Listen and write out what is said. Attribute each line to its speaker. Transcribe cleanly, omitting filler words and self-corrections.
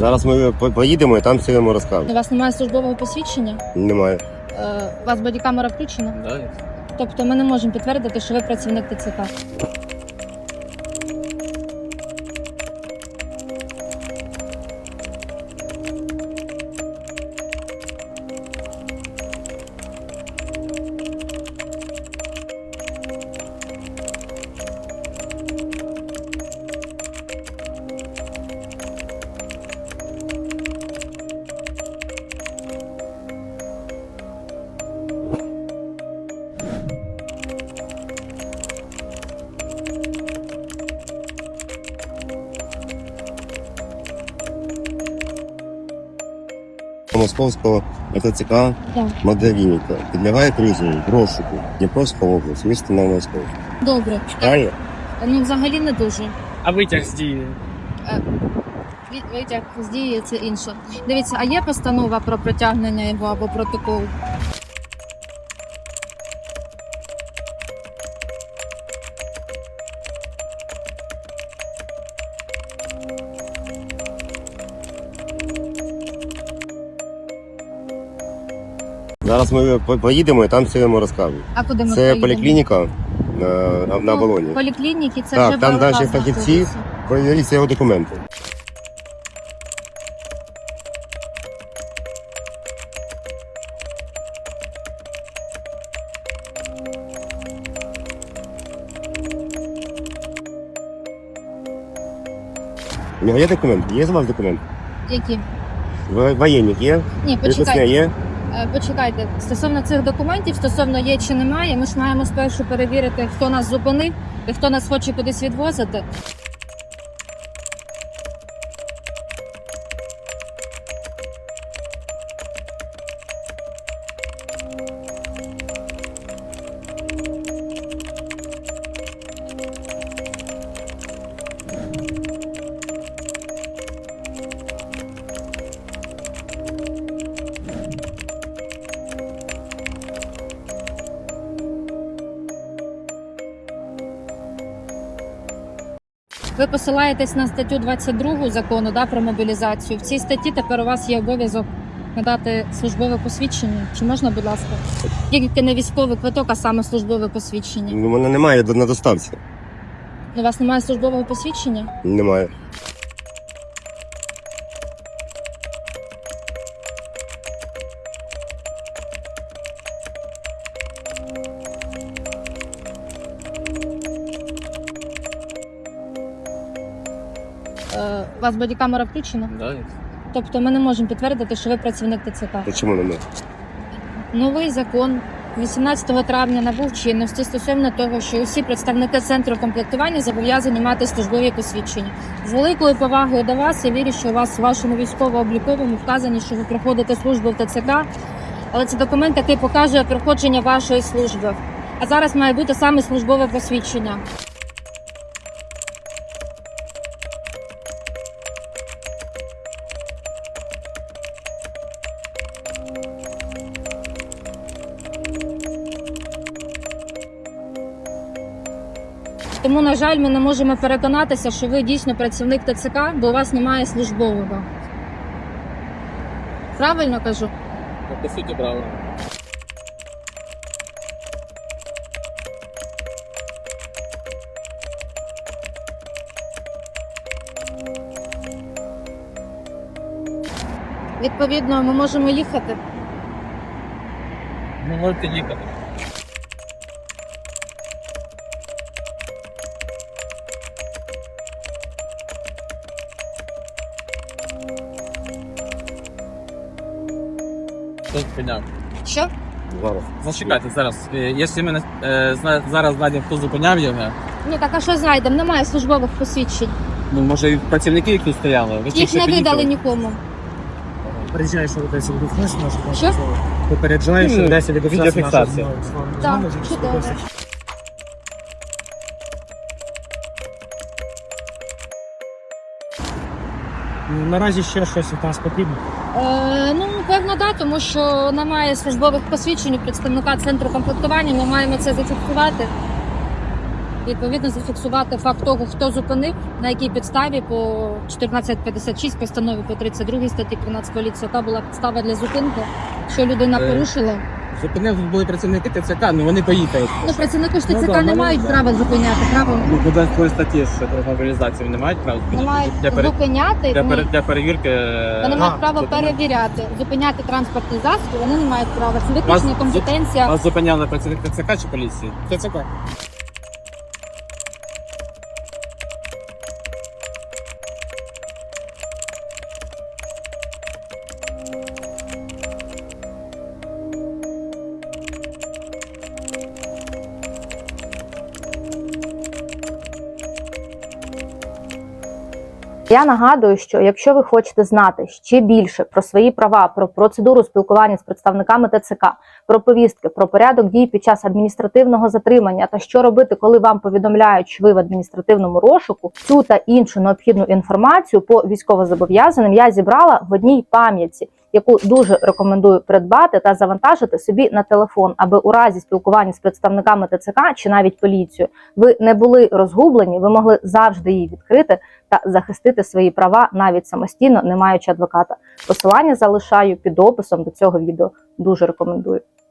Speaker 1: Зараз ми поїдемо і там все йому розкажемо.
Speaker 2: У вас немає службового посвідчення?
Speaker 1: Немає.
Speaker 2: У вас бодікамера включена?
Speaker 3: Да.
Speaker 2: Тобто ми не можемо підтвердити, що ви працівник ТЦК.
Speaker 1: Московського ТЦК
Speaker 2: Так.
Speaker 1: Магдалініка підлягає призову в розшуку Дніпровська область, місто Новомосковськ.
Speaker 2: Добре.
Speaker 1: Читає?
Speaker 2: Ну, взагалі не дуже.
Speaker 3: А витяг з дії?
Speaker 2: Витяг з дії – це інше. Дивіться, а є постанова про притягнення його або протокол?
Speaker 1: Зараз ми поїдемо і там все йому розкажемо.
Speaker 2: А куди ми
Speaker 1: Це
Speaker 2: поїдемо?
Speaker 1: поліклініка на Волоні.
Speaker 2: Поліклініки – це
Speaker 1: Так,
Speaker 2: вже
Speaker 1: там
Speaker 2: БЛК
Speaker 1: наші фахівці.
Speaker 2: знаходиться.
Speaker 1: Перевіріться його документи. У нього є документи? Є з вас документи?
Speaker 2: Які?
Speaker 1: Воєнник є?
Speaker 2: Ні,
Speaker 1: Приписне
Speaker 2: почекайте.
Speaker 1: є?
Speaker 2: Почекайте. Стосовно цих документів, стосовно є чи немає, ми ж маємо спершу перевірити, хто нас зупинив і хто нас хоче кудись відвозити. Ви посилаєтесь на статтю 22 закону про мобілізацію. В цій статті тепер у вас є обов'язок надати службове посвідчення. Чи можна, будь ласка? Тільки не військовий квиток, а саме службове посвідчення.
Speaker 1: У мене немає на доставці.
Speaker 2: У вас немає службового посвідчення?
Speaker 1: Немає.
Speaker 2: У вас бодікамера включена?
Speaker 3: Да.
Speaker 2: Тобто ми не можемо підтвердити, що ви працівник ТЦК.
Speaker 1: Чому немає?
Speaker 2: Новий закон 18 травня набув чинності стосовно того, що усі представники центру комплектування зобов'язані мати службові посвідчення. З великою повагою до вас, я вірю, що у вас в вашому військово-обліковому вказані, що ви проходите службу в ТЦК, але це документ, який показує проходження вашої служби. А зараз має бути саме службове посвідчення. Тому, на жаль, ми не можемо переконатися, що ви дійсно працівник ТЦК, бо у вас немає службового. Правильно кажу?
Speaker 3: По суті, правильно.
Speaker 2: Відповідно, ми можемо їхати.
Speaker 3: Ви можете їхати. Хто зупиняв?
Speaker 2: Що?
Speaker 1: Зараз.
Speaker 3: Зачекайте зараз. Якщо ми зараз знайдемо, хто зупиняв його,
Speaker 2: Ну так, а що знайдемо? Немає службових посвідчень.
Speaker 3: ну може і працівники, які тут стояли. Ви
Speaker 2: Їх
Speaker 3: тільки
Speaker 2: не
Speaker 3: під'їхали.
Speaker 2: видали нікому.
Speaker 4: Попереджаєш, що десь відгукнеш, може
Speaker 2: Що?
Speaker 4: попереджаєш, що десь
Speaker 3: Відеофіксація.
Speaker 2: Так, чудово.
Speaker 4: Наразі ще щось від нас потрібно.
Speaker 2: Ну, певно, так, тому що немає службових посвідчень у представника центру комплектування, ми маємо це зафіксувати. відповідно зафіксувати факт того, хто зупинив, на якій підставі по 1456 постанові по 32 статті 13 поліції, яка була підстава для зупинки, що людина порушила.
Speaker 3: Зупинив, тут були працівники ТЦК, ну вони поїхали.
Speaker 2: Ну, працівники ж
Speaker 3: Ну,
Speaker 2: ТЦК
Speaker 3: да,
Speaker 2: не
Speaker 3: ну,
Speaker 2: мають
Speaker 3: да.
Speaker 2: права зупиняти, право
Speaker 3: Ну, буде такої статті, що про мобілізацію не мають права
Speaker 2: не мають
Speaker 3: для,
Speaker 2: зупиняти.
Speaker 3: для,
Speaker 2: ні.
Speaker 3: для перевірки.
Speaker 2: Вони мають право
Speaker 3: зупинити.
Speaker 2: перевіряти, зупиняти транспортні засоби, вони не мають права. Це виключно
Speaker 3: Вас-
Speaker 2: компетенція.
Speaker 3: Вас зупиняли працівник ТЦК чи поліції?
Speaker 4: ТЦК.
Speaker 5: Я нагадую, що якщо ви хочете знати ще більше про свої права, про процедуру спілкування з представниками ТЦК, про повістки, про порядок дій під час адміністративного затримання та що робити, коли вам повідомляють, що ви в адміністративному розшуку, цю та іншу необхідну інформацію по військовозобов'язаним я зібрала в одній пам'ятці, яку дуже рекомендую придбати та завантажити собі на телефон, аби у разі спілкування з представниками ТЦК чи навіть поліцією ви не були розгублені, ви могли завжди її відкрити та захистити свої права навіть самостійно, не маючи адвоката. Посилання залишаю під описом до цього відео. Дуже рекомендую.